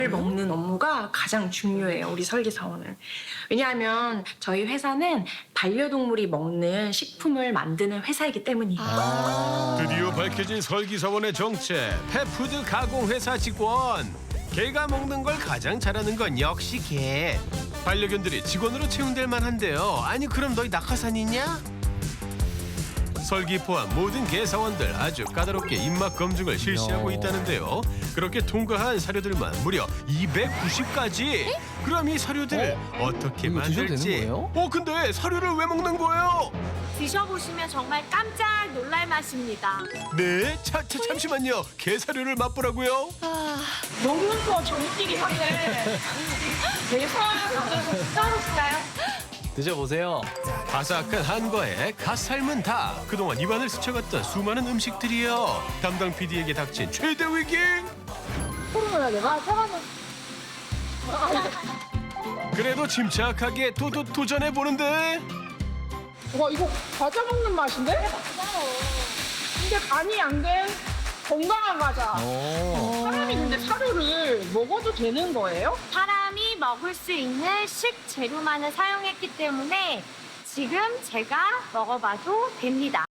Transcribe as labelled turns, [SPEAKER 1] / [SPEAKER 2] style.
[SPEAKER 1] 먹는 업무가 가장 중요해요, 우리 설계사원은. 왜냐하면 저희 회사는 반려동물이 먹는 식품을 만드는 회사이기 때문이에요.
[SPEAKER 2] 드디어 밝혀진 설기사원의 정체. 펫푸드 가공회사 직원. 개가 먹는 걸 가장 잘하는 건 역시 개. 반려견들이 직원으로 채용될 만한데요. 아니 그럼 너희 낙하산이냐? 설기 포함 모든 개사원들 아주 까다롭게 입맛 검증을 실시하고 있다는데요. 그렇게 통과한 사료들만 무려 290가지. 그럼 이 사료들 어떻게
[SPEAKER 3] 이거 드셔도
[SPEAKER 2] 만들지?
[SPEAKER 3] 되는 거예요?
[SPEAKER 2] 근데 사료를 왜 먹는 거예요?
[SPEAKER 4] 드셔보시면 정말 깜짝 놀랄 맛입니다.
[SPEAKER 2] 네? 잠시만요. 개 사료를 맛보라고요?
[SPEAKER 1] 먹는 거 정띠기 한데 대사를 따로실까요?
[SPEAKER 3] 드셔보세요.
[SPEAKER 2] 바삭한 한과에 갓 삶은 닭. 그동안 입안을 스쳐갔던 수많은 음식들이요. 담당 PD에게 닥친 최대 위기. 그래도 침착하게 도전해 보는데.
[SPEAKER 5] 와 이거 과자 먹는 맛인데? 근데 간이 안 된 건강한 과자. 사람이 근데 사료를 먹어도 되는 거예요?
[SPEAKER 4] 사람이 먹을 수 있는 식재료만을 사용했기 때문에 지금 제가 먹어봐도 됩니다.